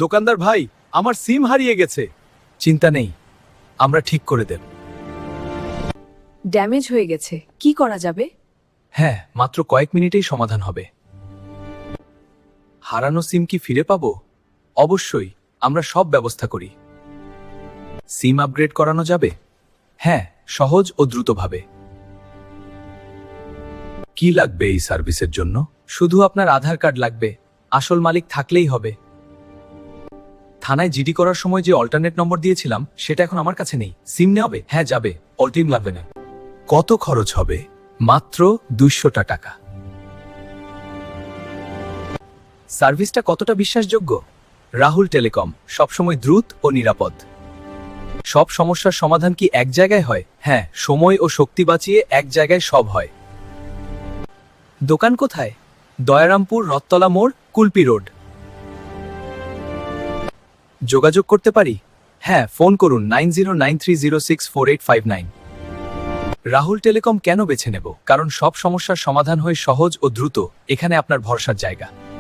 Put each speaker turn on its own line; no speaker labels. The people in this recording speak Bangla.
দোকানদার ভাই, আমার সিম হারিয়ে গেছে। চিন্তা নেই, আমরা ঠিক করে দেব।
ড্যামেজ হয়ে গেছে, কি করা যাবে?
হ্যাঁ, মাত্র কয়েক মিনিটেই সমাধান হবে। হারানো সিম কি ফিরে পাবো? অবশ্যই, আমরা সব ব্যবস্থা করি। সিম আপগ্রেড করানো যাবে? হ্যাঁ, সহজ ও দ্রুতভাবে। কি লাগবে এই সার্ভিসের জন্য? শুধু আপনার আধার কার্ড লাগবে, আসল মালিক থাকলেই হবে। থানায় জিডি করার সময় যে অল্টারনেট নম্বর দিয়েছিলাম সেটা এখন আমার কাছে নেই। সিম নেবে? হ্যাঁ যাবে, অল্টিম লাগবে না। কত খরচ হবে? মাত্র 200 টাকা। সার্ভিসটা কতটা বিশ্বাসযোগ্য? রাহুল টেলিকম, সবসময় দ্রুত ও নিরাপদ। সব সমস্যার সমাধান কি এক জায়গায় হয়? হ্যাঁ, সময় ও শক্তি বাঁচিয়ে এক জায়গায় সব হয়। দোকান কোথায়? দয়ারামপুর, রথতলা মোড়, কুলপি রোড। যোগাযোগ করতে পারি? হ্যাঁ, ফোন করুন 9093064859। রাহুল টেলিকম কেন বেছে নেব? কারণ সব সমস্যার সমাধান হয় সহজ ও দ্রুত। এখানে আপনার ভরসার জায়গা।